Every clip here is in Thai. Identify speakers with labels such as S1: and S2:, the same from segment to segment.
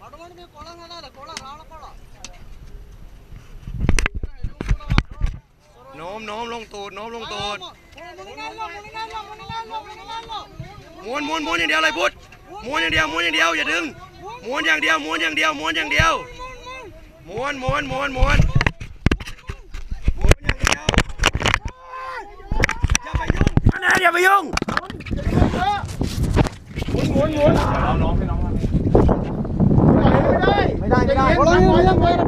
S1: โน้มโน้มลงตูดโน้มลงตูดม้วนม้วนม้วนอย่างเดียวเลยพุทธม้วนอย่างเดียวม้วนอย่างเดียวอย่าดึงม้วนอย่างเดียวม้วนอย่างเดียวม้วนอย่างเดียวม้วนม้วนม้วนม้วนม้วนอย่างเดียวอย่าไปยุ่งนะอย่าไปยุ่งม้วนม้วนเอาน้องให้น้องไม่ได้ม้วนม้วน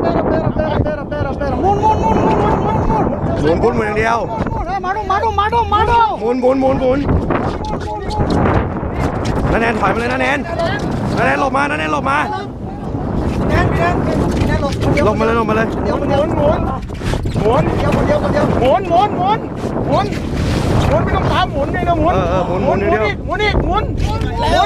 S1: อย่างเดียวมาดูหมุนนั่นแนนถอยมาเลยนั่นแนนหลบมานั่นแนนหลบมาลงมาเลยเดี๋ยวหมุนไม่ต้องตามหมุนเลยนะหมุนเดียวหมุนแล้ว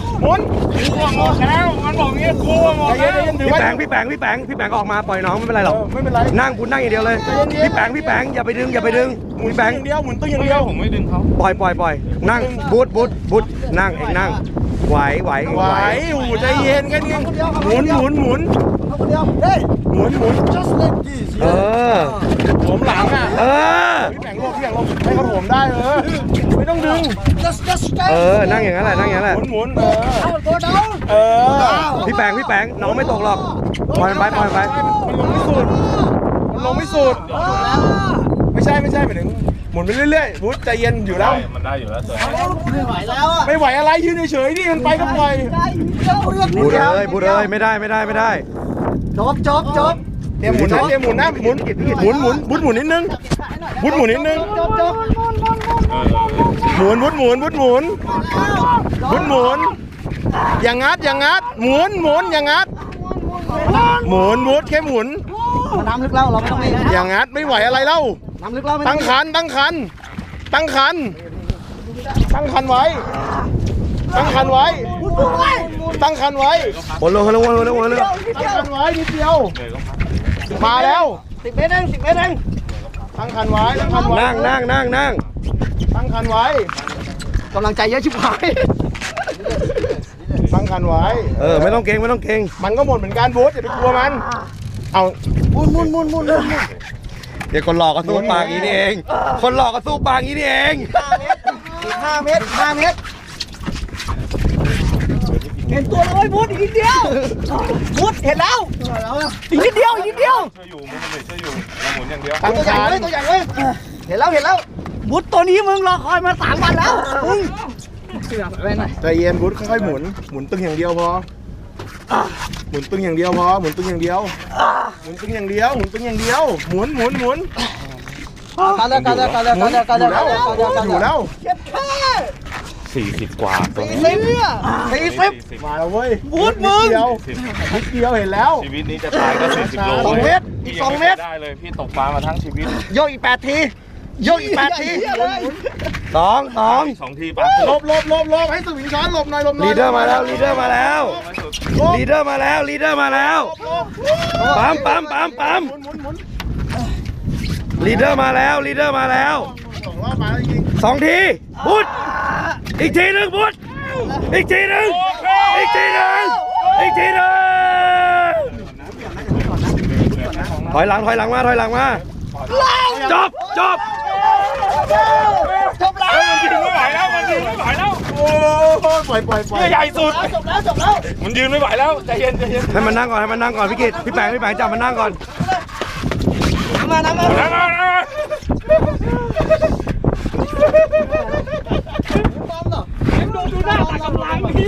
S1: มันบอกงี้กลัวพี่แปงออกมาปล่อยน้องไม่เป็นไรหรอกไม่เป็นไรนั่งคุณนั่งอย่างเดียวเลยพี่แปงอย่าไปดึงพี่แปงอย่างเดียวหมุนตัวอย่างเดียวผมไม่ดึงเขาปล่อยนั่งบุดนั่งเองนั่งไหวหูใจเย็นแค่นี้หมุนหมุนผมหลังอ่ะพี่แปงลงให้เขาผมได้ไม่ต้องดึงนั่งอย่างนั้นแหละหมุนพี่แปงน้องไม่ตกหรอกปล่อยมันไปมันลงไม่สุดไม่ใช่หมายถึงหมุนไปเรื่อยๆพุทธใจเย็นอยู่แล้วมันได้อยู่แล้วไม่ไหวแล้วไม่ไหวอะไรยืนเฉยๆนี่มันไปก็ปล่อยบูดเลยไม่ได้จบเตรียมหมุนนะหมุนนิดนึงหมุนอย่างงัดหมุนอย่างงัดหมุนวุดแค่หมุนน้ำลึกแล้วเราไม่ต้องอย่างงัดไม่ไหวอะไรเล่าน้ำลึกแล้วตั้งคันไว้ตั้งคันไว้ตั้งคันไว้นิดเดียวมาแล้ว10 เมตรเองตั้งคันไว้นั่งตั้งคันไว้กำลังใจเยอะชิบหายตั้งคันไว้ไม่ต้องเก่งมันก็หมดเหมือนกันบูธอย่าไปกลัวมันเอามุนเดี๋ยวคนหลอกก็สู้ปากนี้นี่เอง5 เมตรเห็นตัวเลยบูธอีกนิดเดียวบูธเห็นแล้วอีกนิดเดียวช่วยอยู่เราหมุนอย่างเดียวตั้งคันตัวใหญ่เลยเห็นแล้วบูธตัวนี้มึงรอคอยมา3 วันแล้วใจเย็นบูธค่อยๆหมุนตึงอย่างเดียวพอหมุนตึงอย่างเดียวหมุนกันแล้ว40 กว่าตัวนี้40มาแล้วเว้ยบูธมึงนิดเดียวเห็นแล้วชีวิตนี้จะตายก็40 โล2 เมตรอีก2 เมตรได้เลยพี่ตกปลามาทั้งชีวิตโยกอีก8 ที2 ทีปะลบให้สวิงช้อนหลบหน่อยลีดเดอร์มาแล้วลีดเดอร์มาแล้วปั๊มลีดเดอร์มาแล้ว2 ทีบุดอีกทีหนึ่งบุดอีกทีหนึ่งถอยหลังมาจบแล้วมันยืนไม่ไหวแล้วโอ้ปล่อยใหญ่สุดจบแล้วมันยืนไม่ไหวแล้วใจเย็นให้มันนั่งก่อนพี่กิตพี่แปงจับมันนั่งก่อนน้ำมาดูหน้าตากำลังพี่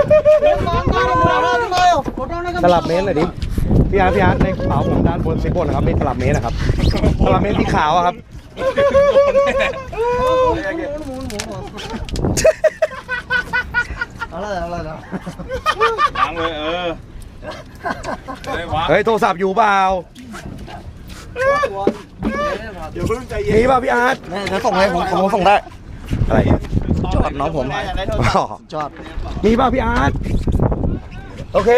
S1: ตลับเมตรหน่อยดิพี่อาร์ตในกระเป๋าผมด้านบนสิบบนนะครับมีตลับเมตรนะครับตลับเมตรสีขาวครับเอาเลยล้างเลยเฮ้ยโทรศัพท์อยู่เปล่าเดี๋ยวเพิ่งใจเย็นนี่ป่ะพี่อาร์ตจะส่งให้ผมส่งได้อะไรจอดน้องผมจอดมีป่ะพี่อาร์ตโอเค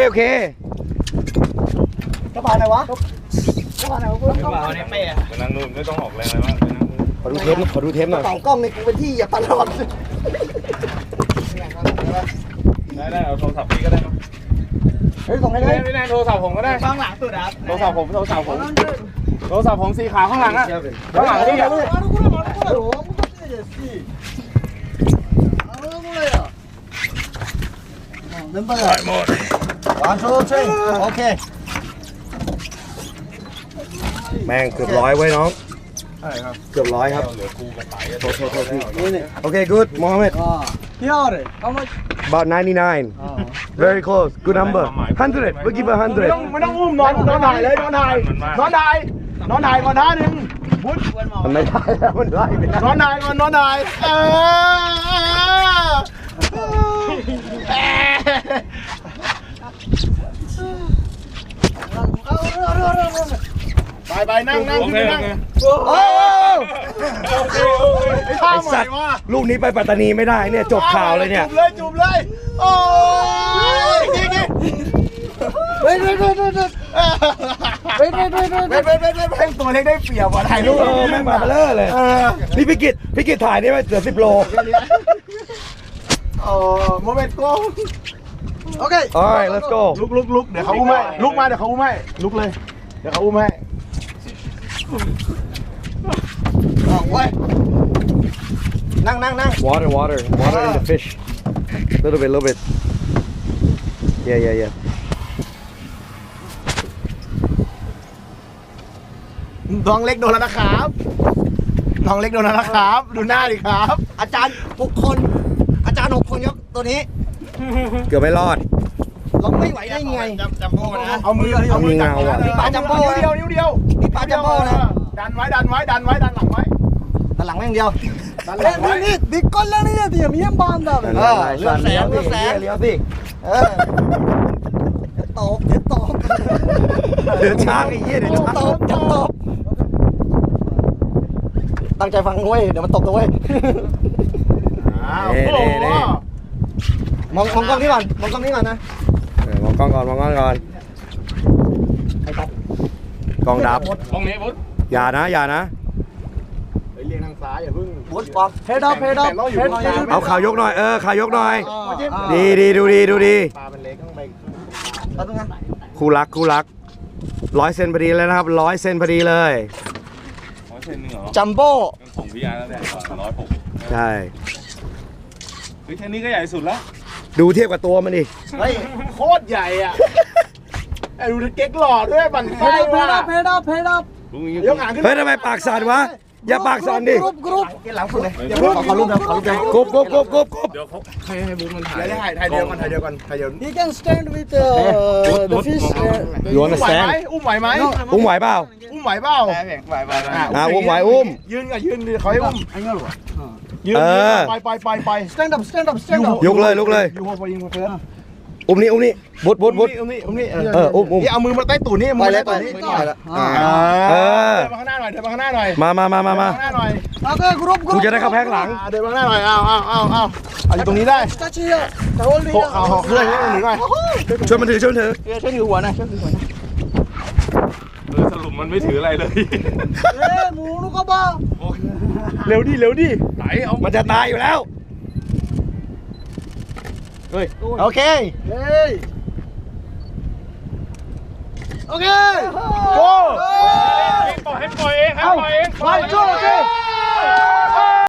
S1: กระเป๋าไหนวะกระเป๋าในเป้ไปนั่งนู่นไม่ต้องออกแรงอะไรมากขอดูเทปหน่อยกระเป๋ากล้องในกูเป็นที่อย่าตลอดได้เอาโทรศัพท์พี่ก็ได้
S2: เฮ้ยส่งให้เลย
S1: พี่แนนโทรศัพท์ผมก็ได้
S2: ฟังหลังสุดครับ
S1: โทรศัพท์ผมสีขาวข้างหลังอ่ะข้างหลังนี่อ่ะ
S2: โอเค
S3: แม่งเกือบร้อยไว้น้อง
S1: ใช่ครับ
S3: เกือบร้อยครับ
S1: เหลือกูกับไต่
S3: โทษพี่โอเค good Mohammed
S2: Here how much
S3: about 99 very close good number 100 we'll give a
S1: ไม่ต้องอุ้มนอนถ่ายเลยนอนถ่ายก่อนท่านึงพุทธ
S3: 100มันไม่ได้แล้วมันไล่ไม่ได้
S1: นอนถ่ายก่อนนอนถ่ายไปนั่งขึ้นไปนั่งโอ้ไอ้สัตว์
S3: ลูกนี้ไปปัตตานีไม่ได้เนี่ยจบข่าวเลยเนี่ย
S1: จุบเลยโอ้ยเฮ้ยตัวเล็กได้เปรียบว่ะถ่ายรูป
S3: แม่งมาเบลอเลยนี่พี่กิตถ่ายนี่มันเหลือ10 โล
S1: โอ้โมเมนต์โก้
S2: โอเค
S3: alright let's go
S1: ลุกเดี๋ยวเขาอุ้มให้ลุกมาเดี๋ยวเขาอุ้มให้ลุกเลยเดี๋ยวเขาอุ้มให้นั่ง
S3: water in the fish little bit yeah
S1: น้องเล็กโดนแล้วนะครับน้องเล็กโดนแล้วนะครับดูหน้าดิครับ
S2: อาจารย์6 คนยกตัวนี้
S3: เกือบไม่รอด
S2: เราไม่ไหวได้ไง
S1: จัมโบ้นะเอามือ
S3: มีเงาอ่ะ
S1: นิ้วเดียว
S2: นี่ปลาจัมโบ้นะ
S1: ดันไว้ดันหลังไว้
S2: ด้านหลังไม่อย่างเดียว
S1: ดันหลังไว้
S2: นี่ดิกอนแล้วนี่เดี๋ยวมียมบานแบบเลือดแสง
S3: เลี้ยวสิ
S2: เดี๋ยวตก
S3: เดี๋ยวช้างไอ้เหี้ยเดี๋ยวช้าง
S2: ตกตั้งใจฟังเว้ยเดี๋ยวมันตกตัวเว้ยมองกล้องนี้ก่อนนะ
S3: มองกล้องก่อนกล้องดับ
S1: ห้องนี้พุทธ
S3: อย่านะ
S1: เรียงทางซ้ายอย่าเพิ่ง
S2: บูทปอมเฮดอัพ
S3: เอาข่าวยกหน่อยข่าวยกหน่อย ดีดูดี
S1: ปลาเป็นเล็กต้องไป
S2: เอาตรงนั้น
S3: คู่รัก100 เซนพอดีแล้วนะครับ100 เซนพอดีเลย
S1: 100 เซนนึงเหรอ
S2: จัมโบ้
S1: ของพี่ยาแล้วเนี่ย106
S3: ใช่
S1: เฮ้ยแค่นี้ก็ใหญ่สุดแล้ว
S3: ดูเทียบกับตัวมันดิ
S1: เฮ้ยโคตรใหญ่อ่ะไอ้ดูเก๊กหล่อด้วยบั่นไส้ว่ะ
S2: เฮดอัพ
S1: ยกหางขึ้น
S3: เฮ้ยทำไมปากสั่นวะอย่าปากสั่นดิ
S2: กรุ๊ปหลังสุดเลย
S1: อย่าเพิ่ง
S2: ขอรูปนะ
S3: กบ
S1: เดี๋ยวเขาให้บุ๊กมันถ่ายถ่ายเดียวกัน
S2: He can stand with the fish.
S3: You understand
S1: อุ้มไหวไหม
S3: อุ้มไหวเปล่า
S1: อุ้มไหวเปล่า
S3: อุ้มไหวอุ้ม
S1: ยืนดิเขาให้อุ้มยืนไป
S2: Stand up.
S3: ยกเลย
S1: ยูโฮยิงเพื่อน
S3: อุ้มนี่บุด
S1: อุ้มนี่
S3: อุ้ม
S1: นี่เอามือมาใต้ตูดนี่มือใต้ตูดนี่
S3: เดิน
S1: มาข้างหน้าหน่อยเดินมาข้างหน้าหน่อย
S3: มา
S1: ข้างหน้าหน่อย
S2: Okay, group.
S3: กูจะได้เข้าแพงหลัง
S1: เดินมาข้างหน้าหน่อยเอาอยู่ตรงนี้ได้
S2: Touch here. Hold
S1: โเอาเคลื่อนให้หนึ่งหน่อย
S3: ช่วยมันถือ
S2: ช่วยถือหัวนะ
S1: สรุปมันไม่ถืออะไรเลย
S2: เฮ้ยหมูลูกกระบอก
S1: เร็วดิไหลเอา
S3: มันจะตายอยู่แล้ว
S1: โอเค
S2: เฮ้ย โอเค
S1: โก้ให้ปล่อยเอง
S2: ไปโจ้